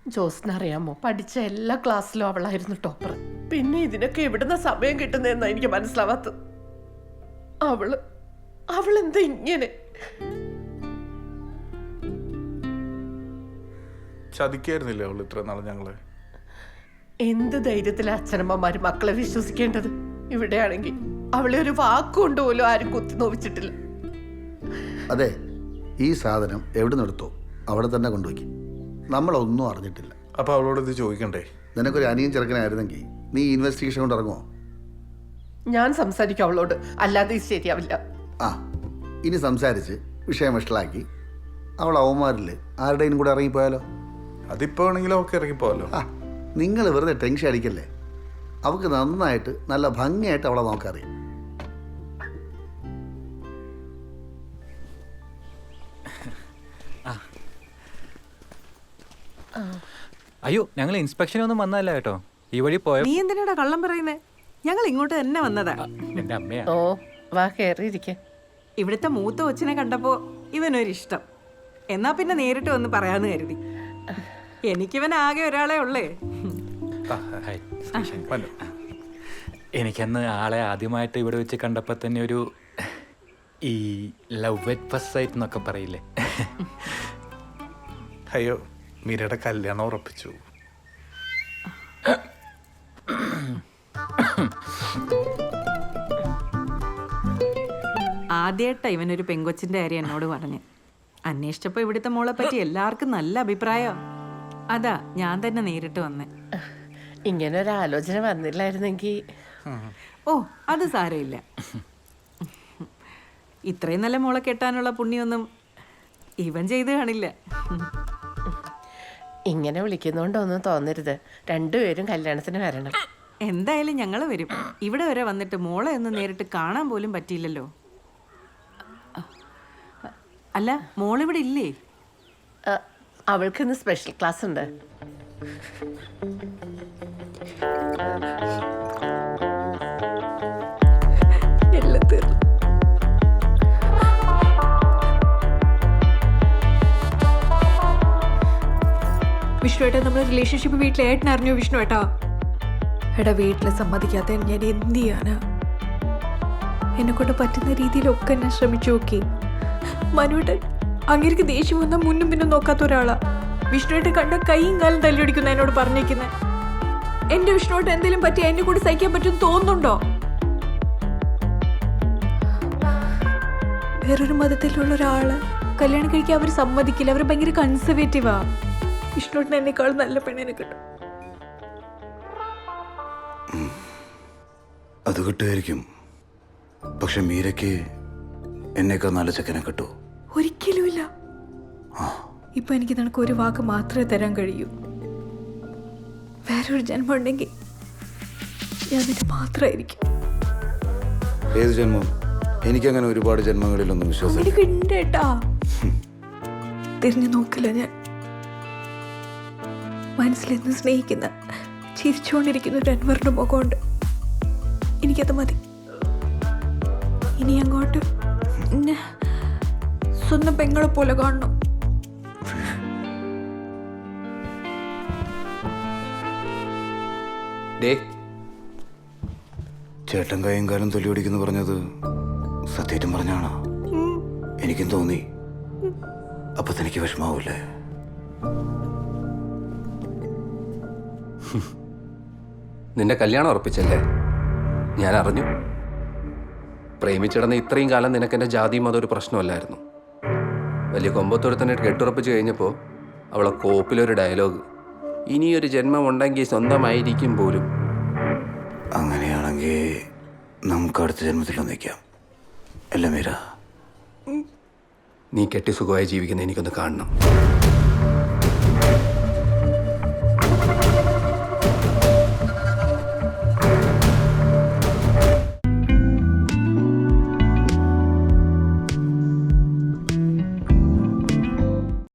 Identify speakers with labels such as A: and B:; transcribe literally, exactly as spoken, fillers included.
A: ജോസിനറിയാമോ, പഠിച്ച എല്ലാ ക്ലാസ്സിലും അവളായിരുന്നു ടോപ്പർ. പിന്നെ ഇതിനൊക്കെ എവിടുന്ന സമയം കിട്ടുന്നതെന്നാ എനിക്ക് മനസ്സിലാവാത്തത്. അവള് അവളെന്താ ഇങ്ങനെ?
B: ചതിക്കായിരുന്നില്ലേ അവൾ ഇത്ര നാളെ ഞങ്ങളെ?
A: എന്ത് ധൈര്യത്തിലാ അച്ഛനമ്മമാര് മക്കളെ വിശ്വസിക്കേണ്ടത്? ഇവിടെയാണെങ്കിൽ അവളെ ഒരു വാക്കുകൊണ്ട് പോലും ആരും കുത്തി നോവിച്ചിട്ടില്ല.
C: അതെ, ഈ സാധനം എവിടെ നിന്നെടുത്തോ അവിടെ തന്നെ കൊണ്ടുപോയി. നമ്മളൊന്നും അറിഞ്ഞിട്ടില്ല.
B: അപ്പൊ അവളോട് ഇത് ചോദിക്കണ്ടേ?
C: നിനക്കൊരു അനിയൻ ചെറുക്കനായിരുന്നെങ്കിൽ നീ ഇൻവെസ്റ്റിഗേഷൻ കൊണ്ട് ഇറങ്ങുമോ?
A: ഞാൻ സംസാരിക്കും അവളോട്, അല്ലാതെ ഇത് ശരിയാവില്ല.
C: ആ, ഇനി സംസാരിച്ച് വിഷയം വഷളാക്കി അവൾ അവന്മാരിൽ ആരുടെയും കൂടെ ഇറങ്ങിപ്പോയാലോ?
B: അതിപ്പോ ആണെങ്കിലും അവൾക്ക് ഇറങ്ങിപ്പോവല്ലോ.
C: ആ, നിങ്ങൾ വെറുതെ ടെൻഷൻ അടിക്കല്ലേ. അവൾക്ക് നന്നായിട്ട് നല്ല ഭംഗിയായിട്ട് അവളെ നോക്കറിയാം.
D: അയ്യോ, ഞങ്ങൾ ഇൻസ്പെക്ഷനൊന്നും വന്നല്ല കേട്ടോ. ഈ വഴി പോയ
E: നീ എന്തിനാടാ കള്ളം പറയുന്നേ? ഞങ്ങൾ ഇങ്ങോട്ട് തന്നെ വന്നതാ.
D: എന്റെ അമ്മയാ.
A: ഓ, വാ കേറിയിരിക്കെ.
E: ഇവിടുത്തെ മൂത്ത കൊച്ചിനെ കണ്ടപ്പോ ഇവനൊരിഷ്ടം. എന്നാ പിന്നെ നേരിട്ട് വന്ന് പറയാന്ന് കരുതി. എനിക്കിവൻ ആകെ ഒരാളെ ഉള്ളേ.
D: എനിക്കന്ന് ആളെ ആദ്യമായിട്ട് ഇവിടെ വെച്ച് കണ്ടപ്പോ തന്നെ ഒരു ഈ ലവ് അറ്റ് ഫസ്റ്റ് സൈറ്റ് എന്നൊക്കെ പറയില്ലേ.
B: അയ്യോ, മീരയുടെ കല്യാണം ഉറപ്പിച്ചു.
E: ആദ്യമായിട്ടാ ഇവനൊരു പെങ്കൊച്ചിന്റെ കാര്യം എന്നോട് പറഞ്ഞ്. അന്വേഷിച്ചപ്പോ ഇവിടുത്തെ മോളെ പറ്റി എല്ലാവർക്കും നല്ല അഭിപ്രായം. അതാ ഞാൻ തന്നെ നേരിട്ട് വന്നേ.
A: ഇങ്ങനെ ഒരു ആലോചന വന്നില്ലായിരുന്നെങ്കിൽ.
E: ഓ, അത് സാരമില്ല. ഇത്രയും നല്ല മോളെ കെട്ടാനുള്ള പുണ്യൊന്നും ഇവൻ ചെയ്ത് കാണില്ല.
A: ഇങ്ങനെ വിളിക്കുന്നോണ്ടൊന്നും തോന്നരുത്. രണ്ടുപേരും കല്യാണത്തിന് വരണം.
E: എന്തായാലും ഞങ്ങൾ വരും. ഇവിടെ വരെ വന്നിട്ട് മോളെ ഒന്ന് നേരിട്ട് കാണാൻ പോലും പറ്റിയില്ലല്ലോ. അല്ല, മോളിവിടെ ഇല്ലേ?
A: അവൾക്കിന്ന് സ്പെഷ്യൽ ക്ലാസ് ഉണ്ട്.
F: വിഷ്ണു ഏട്ടാ, നമ്മുടെ റിലേഷൻഷിപ്പ് വീട്ടിലെ ഏട്ടൻ അറിഞ്ഞു വിഷ്ണു ഏട്ടാ? എടാ, വീട്ടിൽ സമ്മതിക്കാത്ത ഞാൻ എന്ത് ചെയ്യാനാ? എന്നെ കൊണ്ട് പറ്റുന്ന രീതിയിലൊക്കെ ഞാൻ ശ്രമിച്ചു നോക്കി. മനുവേട്ടൻ അങ്ങേർക്ക് ദേഷ്യം വന്നാൽ മുന്നും പിന്നും നോക്കാത്ത ഒരാളാ. വിഷ്ണുവേട്ടൻ കണ്ട കൈയും കാലം തല്ലിയൊടിക്കുന്ന എന്നോട് പറഞ്ഞേക്കുന്നത്. എന്റെ വിഷ്ണുവേട്ടൻ എന്തെങ്കിലും പറ്റി എന്നെ കൂടി സഹിക്കാൻ പറ്റുമെന്ന് തോന്നുന്നുണ്ടോ? വേറൊരു മതത്തിലുള്ള ഒരാള് കല്യാണം കഴിക്കാൻ അവർ സമ്മതിക്കില്ല. അവർ ഭയങ്കര കൺസർവേറ്റീവാ. വിഷ്ണുവേട്ടൻ എന്നെക്കാൾ നല്ല പെണ്ണിനെ കിട്ടും.
G: അത് കിട്ടുമായിരിക്കും. പക്ഷെ മീരയ്ക്ക് എന്നേക്കാൾ നല്ല ചെക്കനെ കിട്ടൂ?
F: ഒരിക്കലുമില്ല. ഇപ്പൊ എനിക്ക് നിനക്ക് ഒരു വാക്ക് മാത്രമേ തരാൻ കഴിയൂ. വേറൊരു ജന്മം ഉണ്ടെങ്കിൽ ഞാൻ നിന്റെ മാത്രമായിരിക്കും.
G: ഏത് ജന്മം? എനിക്കങ്ങനെ ഒരുപാട് ജന്മങ്ങളിലൊന്നും വിശ്വാസം
F: എനിക്കുണ്ടേട്ടാ. തിരിഞ്ഞു നോക്കില്ല ഞാൻ. മനസ്സിലെന്ന് സ്നേഹിക്കുന്ന ചിരിച്ചുകൊണ്ടിരിക്കുന്ന ഒരു അൻവറിന്റെ മുഖമുണ്ട്. എനിക്കത് മതി. ഇനി അങ്ങോട്ട് സ്വന്തം പെങ്ങളെ പോലെ കാണണം.
G: ചേട്ടൻ കൈയും കാലം തൊല്ലിയൊടിക്കുന്നു പറഞ്ഞത് സത്യേറ്റം പറഞ്ഞാണോ? എനിക്കും തോന്നി. അപ്പൊ തനിക്ക് വിഷമാവൂലേ?
H: നിന്റെ കല്യാണം ഉറപ്പിച്ചല്ലേ? ഞാൻ അറിഞ്ഞു. പ്രേമിച്ചിടന്ന് ഇത്രയും കാലം നിനക്ക് എൻ്റെ ജാതിയും അതൊരു പ്രശ്നമല്ലായിരുന്നു. വലിയ കൊമ്പത്തൊരുത്തനായിട്ട് കെട്ടുറപ്പിച്ച് കഴിഞ്ഞപ്പോൾ അവളെ കോപ്പിലൊരു ഡയലോഗ്, ഇനിയൊരു ജന്മം ഉണ്ടെങ്കിൽ സ്വന്തമായിരിക്കും പോലും.
G: അങ്ങനെയാണെങ്കിൽ നമുക്ക് അടുത്ത ജന്മത്തിൽ ഒന്നിക്കാം അല്ല മീര?
H: നീ കെട്ടി സുഖമായി ജീവിക്കുന്ന എനിക്കൊന്ന് കാണണം.